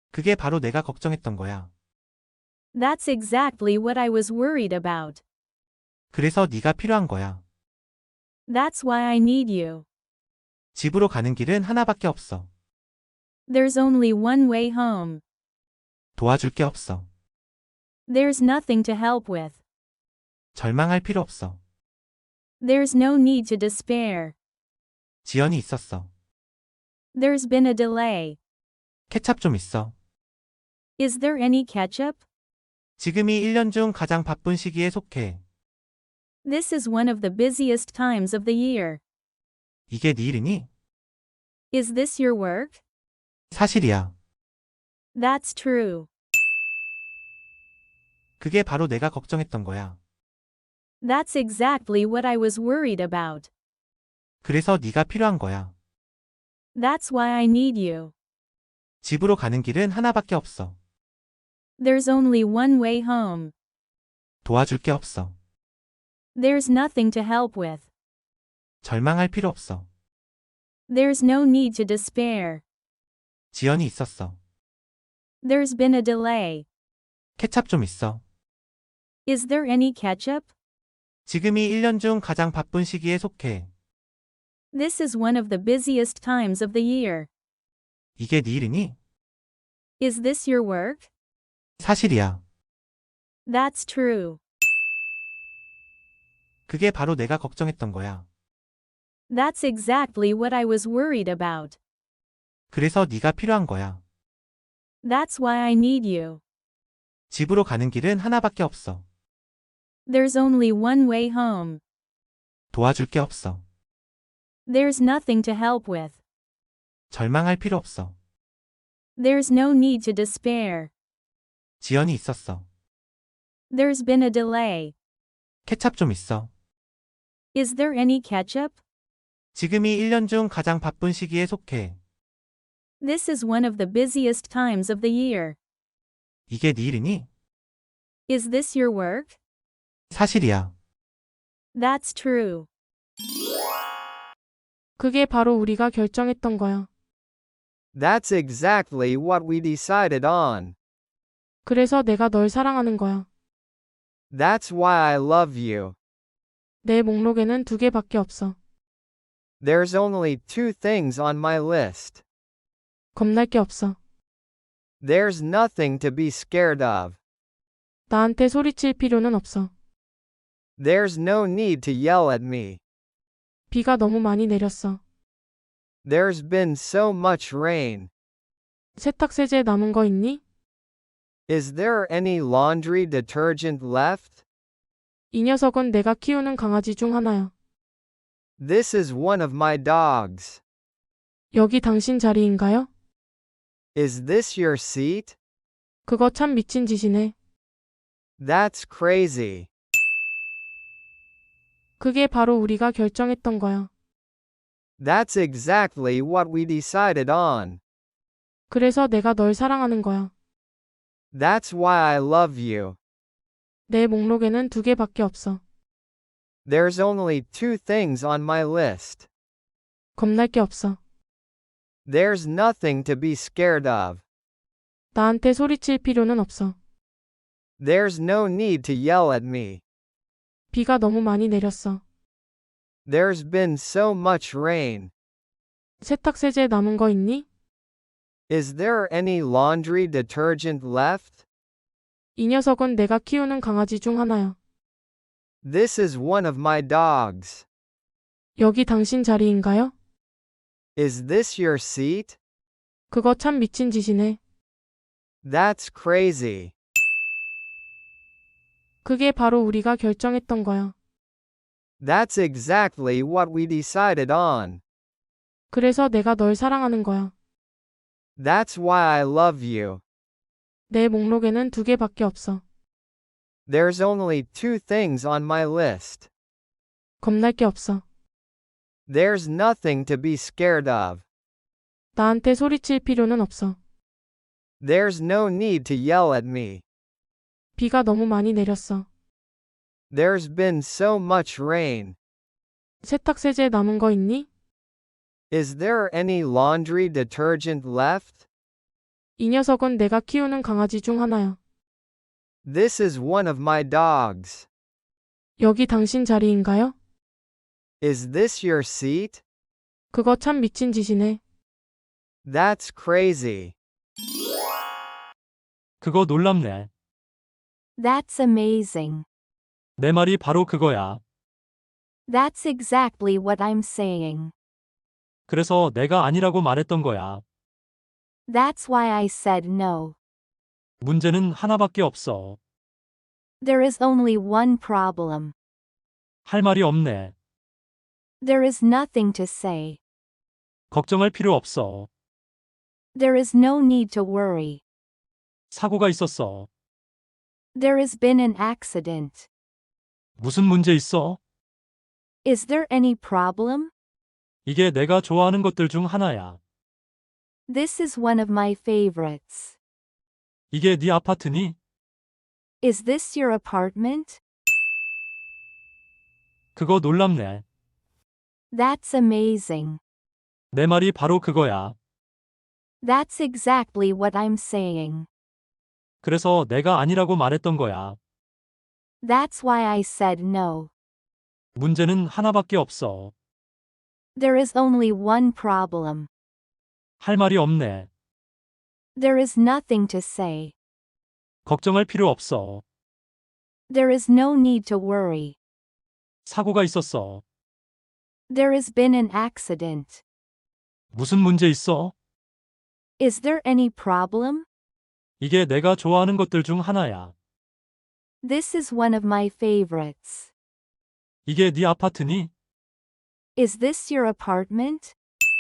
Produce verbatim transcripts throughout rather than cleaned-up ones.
그게 바로 내가 걱정했던 거야. That's exactly what I was worried about. 그래서 네가 필요한 거야. That's why I need you. 집으로 가는 길은 하나밖에 없어. There's only one way home. 도와줄 게 없어. There's nothing to help with. 절망할 필요 없어. There's no need to despair. 지연이 있었어. There's been a delay. 케찹 좀 있어. Is there any ketchup? 지금이 일 년 중 가장 바쁜 시기에 속해. This is one of the busiest times of the year. 이게 네 일이니? Is this your work? 사실이야. That's true. 그게 바로 내가 걱정했던 거야. That's exactly what I was worried about. 그래서 네가 필요한 거야. That's why I need you. 집으로 가는 길은 하나밖에 없어. There's only one way home. 도와줄 게 없어. There's nothing to help with. 절망할 필요 없어. There's no need to despair. 지연이 있었어. There's been a delay. 케찹 좀 있어. Is there any ketchup? 지금이 일 년 중 가장 바쁜 시기에 속해. This is one of the busiest times of the year. 이게 네 일이니? Is this your work? 사실이야. That's true. 그게 바로 내가 걱정했던 거야. That's exactly what I was worried about. 그래서 네가 필요한 거야. That's why I need you. 집으로 가는 길은 하나밖에 없어. There's only one way home. 도와줄 게 없어. There's nothing to help with. 절망할 필요 없어. There's no need to despair. 지연이 있었어. There's been a delay. 케찹 좀 있어. Is there any ketchup? 지금이 일 년 중 가장 바쁜 시기에 속해. This is one of the busiest times of the year. 이게 네 일이니? Is this your work? 사실이야. That's true. 그게 바로 우리가 결정했던 거야. That's exactly what we decided on. 그래서 내가 널 사랑하는 거야. That's why I love you. 내 목록에는 두 개밖에 없어. There's only two things on my list. 겁날 게 없어. There's nothing to be scared of. 나한테 소리칠 필요는 없어. There's no need to yell at me. 비가 너무 많이 내렸어. There's been so much rain. 세탁세제 남은 거 있니? Is there any laundry detergent left? 이 녀석은 내가 키우는 강아지 중 하나야. This is one of my dogs. 여기 당신 자리인가요? Is this your seat? 그거 참 미친 짓이네. That's crazy. 그게 바로 우리가 결정했던 거야. That's exactly what we decided on. 그래서 내가 널 사랑하는 거야. That's why I love you. 내 목록에는 두 개밖에 없어. There's only two things on my list. 겁날 게 없어. There's nothing to be scared of. 나한테 소리칠 필요는 없어. There's no need to yell at me. 비가 너무 많이 내렸어. There's been so much rain. 세탁세제 남은 거 있니? Is there any laundry detergent left? 이 녀석은 내가 키우는 강아지 중 하나야. This is one of my dogs. 여기 당신 자리인가요? Is this your seat? 그거 참 미친 짓이네. That's crazy. 그게 바로 우리가 결정했던 거야. That's exactly what we decided on. 그래서 내가 널 사랑하는 거야. That's why I love you. 내 목록에는 두 개밖에 없어. There's only two things on my list. 겁날 게 없어. There's nothing to be scared of. 나한테 소리칠 필요는 없어. There's no need to yell at me. 비가 너무 많이 내렸어. There's been so much rain. 세탁세제 남은 거 있니? Is there any laundry detergent left? 이 녀석은 내가 키우는 강아지 중 하나야. This is one of my dogs. 여기 당신 자리인가요? Is this your seat? 그거 참 미친 짓이네. That's crazy. 그거 놀랍네. That's amazing. 내 말이 바로 그거야. That's exactly what I'm saying. 그래서 내가 아니라고 말했던 거야. That's why I said no. 문제는 하나밖에 없어. There is only one problem. 할 말이 없네. There is nothing to say. 걱정할 필요 없어. There is no need to worry. 사고가 있었어. There has been an accident. 무슨 문제 있어? Is there any problem? 이게 내가 좋아하는 것들 중 하나야. This is one of my favorites. 이게 네 아파트니? Is this your apartment? 그거 놀랍네. That's amazing. 내 말이 바로 그거야. That's exactly what I'm saying. 그래서 내가 아니라고 말했던 거야. That's why I said no. 문제는 하나밖에 없어. There is only one problem. 할 말이 없네. There is nothing to say. 걱정할 필요 없어. There is no need to worry. 사고가 있었어. There has been an accident. 무슨 문제 있어? Is there any problem? 이게 내가 좋아하는 것들 중 하나야. This is one of my favorites. 이게 네 아파트니? Is this your apartment?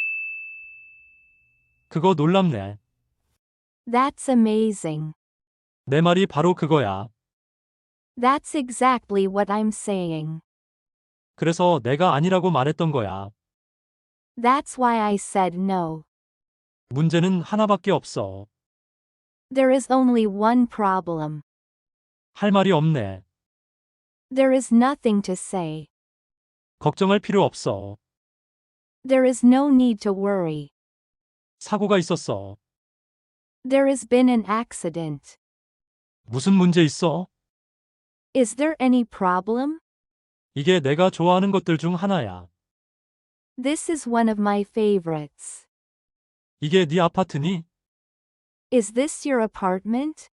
그거 놀랍네. That's amazing. 내 말이 바로 그거야. That's exactly what I'm saying. 그래서 내가 아니라고 말했던 거야. That's why I said no. 문제는 하나밖에 없어. There is only one problem. 할 말이 없네. There is nothing to say. 걱정할 필요 없어. There is no need to worry. 사고가 있었어. There has been an accident. 무슨 문제 있어? Is there any problem? 이게 내가 좋아하는 것들 중 하나야. This is one of my favorites. 이게 네 아파트니? Is this your apartment?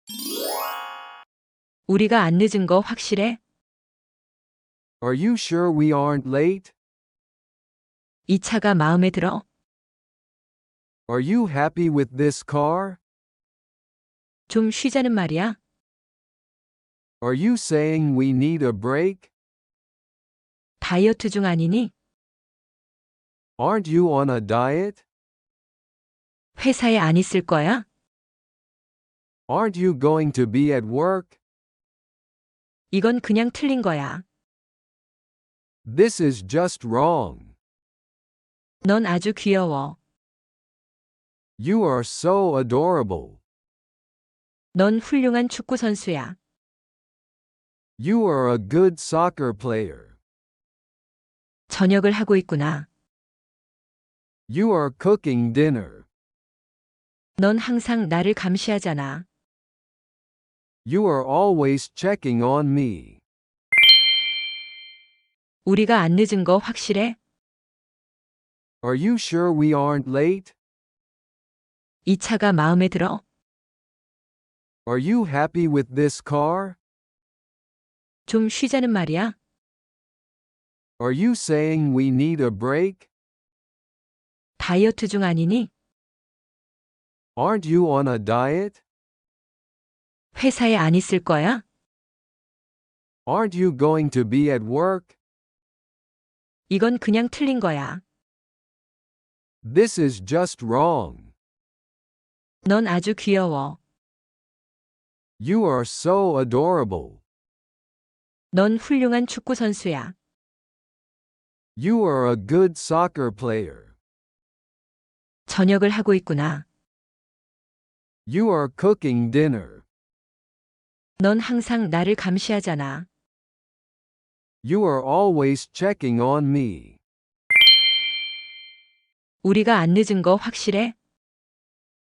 우리가 안 늦은 거 확실해? Are you sure we aren't late? 이 차가 마음에 들어? Are you happy with this car? 좀 쉬자는 말이야? Are you saying we need a break? 다이어트 중 아니니? Aren't you on a diet? 회사에 안 있을 거야? Aren't you going to be at work? 이건 그냥 틀린 거야. This is just wrong. 넌 아주 귀여워. You are so adorable. 넌 훌륭한 축구 선수야. You are a good soccer player. 저녁을 하고 있구나. You are cooking dinner. 넌 항상 나를 감시하잖아. You are always checking on me. 우리가 안 늦은 거 확실해? Are you sure we aren't late? 이 차가 마음에 들어? Are you happy with this car? 좀 쉬자는 말이야? Are you saying we need a break? 다이어트 중 아니니? Aren't you on a diet? 회사에 안 있을 거야? Aren't you going to be at work? 이건 그냥 틀린 거야. This is just wrong. 넌 아주 귀여워. You are so adorable. 넌 훌륭한 축구 선수야. You are a good soccer player. 저녁을 하고 있구나. You are cooking dinner. 넌 항상 나를 감시하잖아. You are always checking on me. 우리가 안 늦은 거 확실해?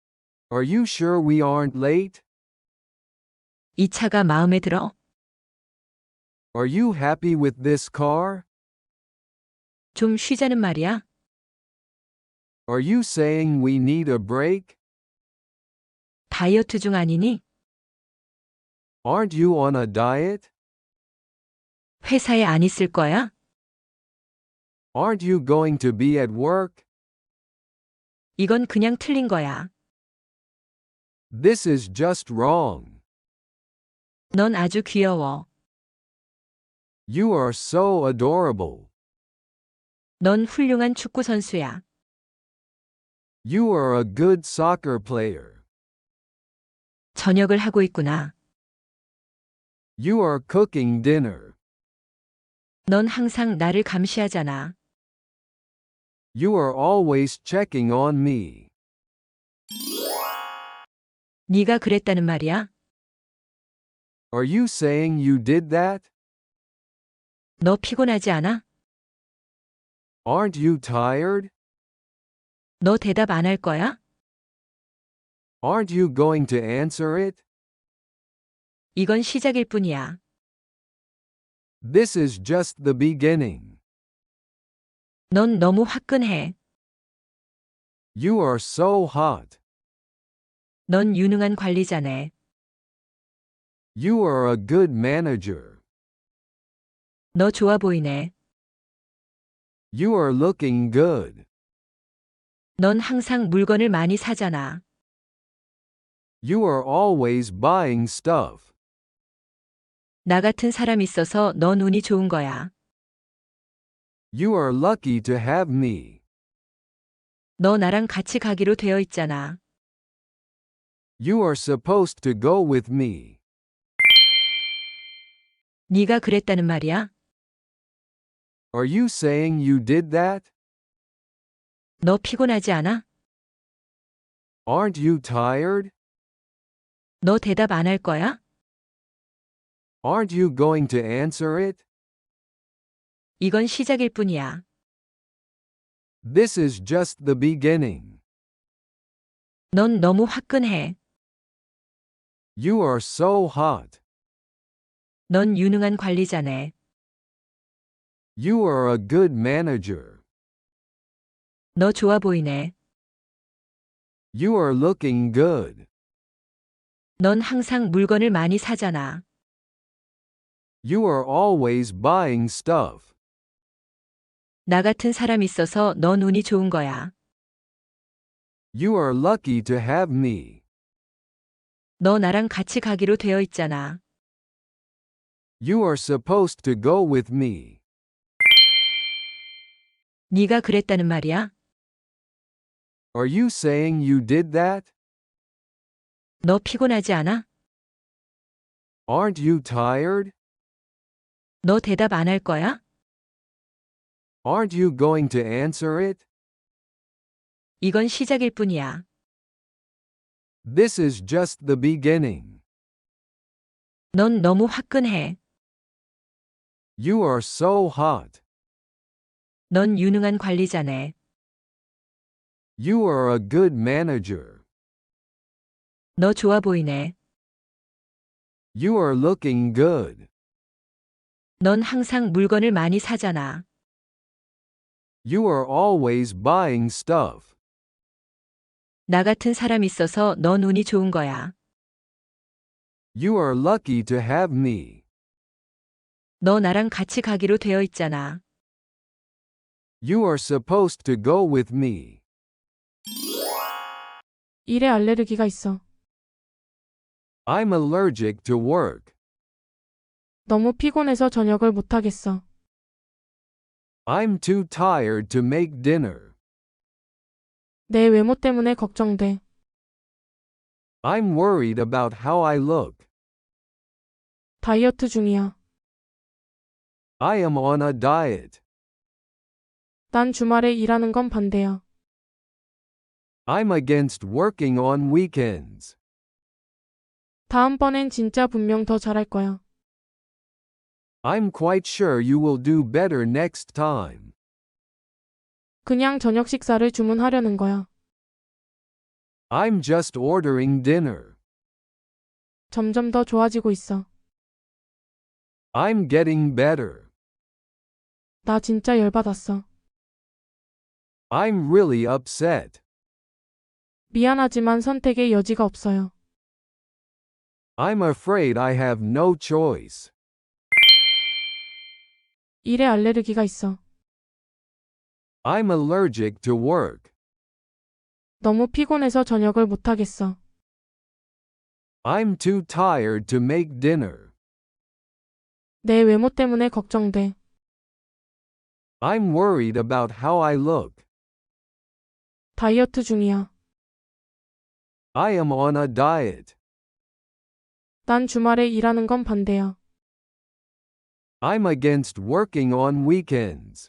Are you sure we aren't late? 이 차가 마음에 들어? Are you happy with this car? 좀 쉬자는 말이야? Are you saying we need a break? 다이어트 중 아니니? Aren't you on a diet? 회사에 안 있을 거야? Aren't you going to be at work? 이건 그냥 틀린 거야. This is just wrong. 넌 아주 귀여워. You are so adorable. 넌 훌륭한 축구 선수야. You are a good soccer player. 저녁을 하고 있구나. You are cooking dinner. 넌 항상 나를 감시하잖아. You are always checking on me. 네가 그랬다는 말이야? Are you saying you did that? 너 피곤하지 않아? Aren't you tired? 너 대답 안 할 거야? Aren't you going to answer it? 이건 시작일 뿐이야. This is just the beginning. 넌 너무 화끈해. You are so hot. 넌 유능한 관리자네. You are a good manager. 너 좋아 보이네. You are looking good. 넌 항상 물건을 많이 사잖아. You are always buying stuff. 나 같은 사람 있어서 넌 운이 좋은 거야. You are lucky to have me. 너 나랑 같이 가기로 되어 있잖아. You are supposed to go with me. 네가 그랬다는 말이야? Are you saying you did that? 너 피곤하지 않아? Aren't you tired? 너 대답 안 할 거야? Aren't you going to answer it? 이건 시작일 뿐이야. This is just the beginning. 넌 너무 화끈해. You are so hot. 넌 유능한 관리자네. You are a good manager. 너 좋아 보이네. You are looking good. 넌 항상 물건을 많이 사잖아. You are always buying stuff. 나 같은 사람 있어서 넌 운이 좋은 거야. You are lucky to have me. 너 나랑 같이 가기로 되어 있잖아. You are supposed to go with me. 네가 그랬다는 말이야? Are you saying you did that? 너 피곤하지 않아? Aren't you tired? 너 대답 안 할 거야? Aren't you going to answer it? 이건 시작일 뿐이야. This is just the beginning. 넌 너무 화끈해. You are so hot. 넌 유능한 관리자네. You are a good manager. 너 좋아 보이네. You are looking good. 넌 항상 물건을 많이 사잖아. You are always buying stuff. 나 같은 사람 있어서 넌 운이 좋은 거야. You are lucky to have me. 너 나랑 같이 가기로 되어 있잖아. You are supposed to go with me. 일에 알레르기가 있어. I'm allergic to work. 너무 피곤해서 저녁을 못 하겠어. I'm too tired to make dinner. 내 외모 때문에 걱정돼. I'm worried about how I look. 다이어트 중이야. I am on a diet. 난 주말에 일하는 건 반대야. I'm against working on weekends. 다음번엔 진짜 분명 더 잘할 거야. I'm quite sure you will do better next time. 그냥 저녁 식사를 주문하려는 거야. I'm just ordering dinner. 점점 더 좋아지고 있어. I'm getting better. 나 진짜 열받았어. I'm really upset. 미안하지만 선택의 여지가 없어요. I'm afraid I have no choice. 일에 알레르기가 있어. I'm allergic to work. 너무 피곤해서 저녁을 못하겠어. I'm too tired to make dinner. 내 외모 때문에 걱정돼. I'm worried about how I look. 다이어트 중이야. I am on a diet. 난 주말에 일하는 건 반대야. I'm against working on weekends.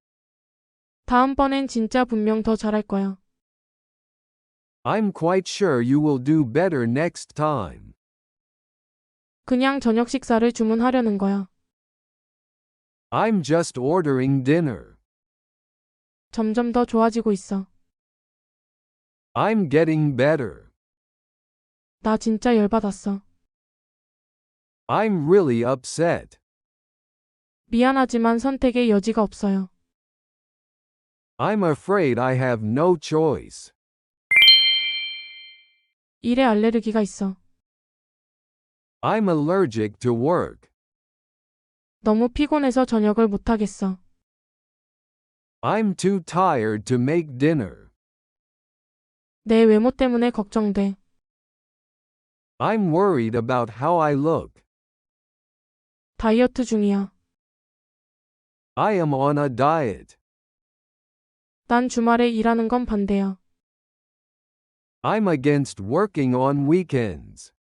다음번엔 진짜 분명 더 잘할 거야. I'm quite sure you will do better next time. 그냥 저녁 식사를 주문하려는 거야. I'm just ordering dinner. 점점 더 좋아지고 있어. I'm getting better. 나 진짜 열받았어. I'm really upset. 미안하지만 선택의 여지가 없어요. I'm afraid I have no choice. 일에 알레르기가 있어. I'm allergic to work. 너무 피곤해서 저녁을 못하겠어. I'm too tired to make dinner. 내 외모 때문에 걱정돼. I'm worried about how I look. 다이어트 중이야. I am on a diet. 난 주말에 일하는 건 반대야. I'm against working on weekends.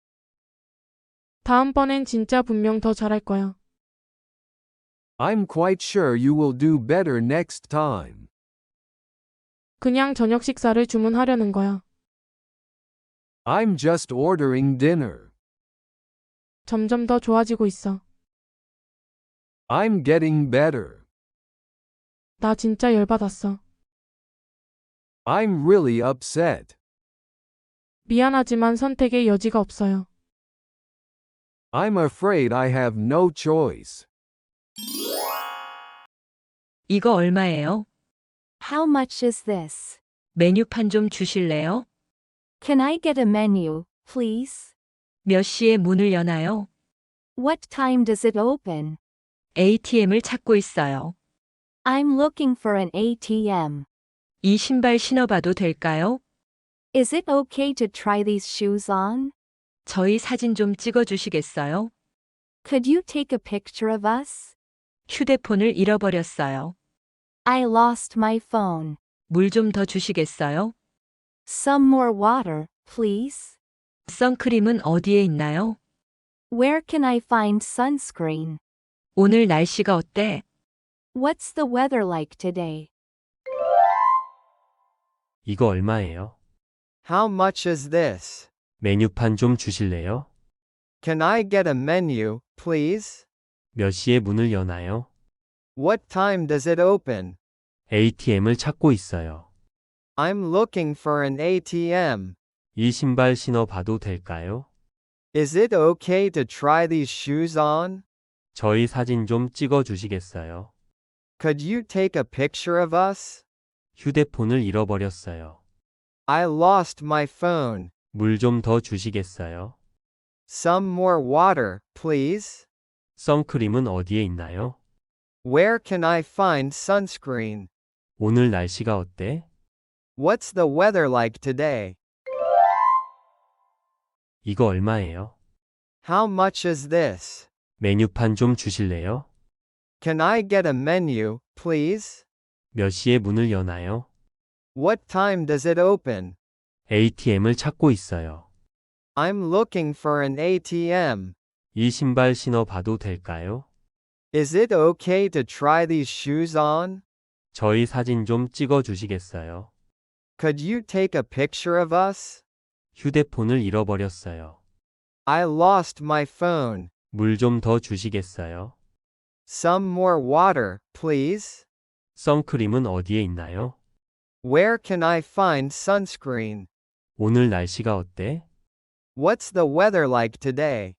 다음번엔 진짜 분명 더 잘할 거야. I'm quite sure you will do better next time. 그냥 저녁 식사를 주문하려는 거야. I'm just ordering dinner. 점점 더 좋아지고 있어. I'm getting better. 나 진짜 열받았어. I'm really upset. 미안하지만 선택의 여지가 없어요. I'm afraid I have no choice. 이거 얼마예요? How much is this? 메뉴판 좀 주실래요? Can I get a menu, please? 몇 시에 문을 여나요? What time does it open? 에이티엠을 찾고 있어요. I'm looking for an A T M. 이 신발 신어봐도 될까요? Is it okay to try these shoes on? 저희 사진 좀 찍어 주시겠어요? Could you take a picture of us? 휴대폰을 잃어버렸어요. I lost my phone. 물 좀 더 주시겠어요? Some more water, please. 선크림은 어디에 있나요? Where can I find sunscreen? 오늘 날씨가 어때? What's the weather like today? 이거 얼마예요? How much is this? 메뉴판 좀 주실래요? Can I get a menu, please? 몇 시에 문을 여나요? What time does it open? 에이티엠을 찾고 있어요. I'm looking for an A T M. 이 신발 신어봐도 될까요? Is it okay to try these shoes on? 저희 사진 좀 찍어 주시겠어요? Could you take a picture of us? 휴대폰을 잃어버렸어요. I lost my phone. 물 좀 더 주시겠어요? Some more water, please. 선크림은 어디에 있나요? Where can I find sunscreen? 오늘 날씨가 어때? What's the weather like today? 이거 얼마예요? How much is this? 메뉴판 좀 주실래요? Can I get a menu, please? 몇 시에 문을 여나요? What time does it open? 에이티엠을 찾고 있어요. I'm looking for an A T M. 이 신발 신어봐도 될까요? Is it okay to try these shoes on? 저희 사진 좀 찍어 주시겠어요? Could you take a picture of us? 휴대폰을 잃어버렸어요. I lost my phone. 물 좀 더 주시겠어요? Some more water, please. 선크림은 어디에 있나요? Where can I find sunscreen? 오늘 날씨가 어때? What's the weather like today?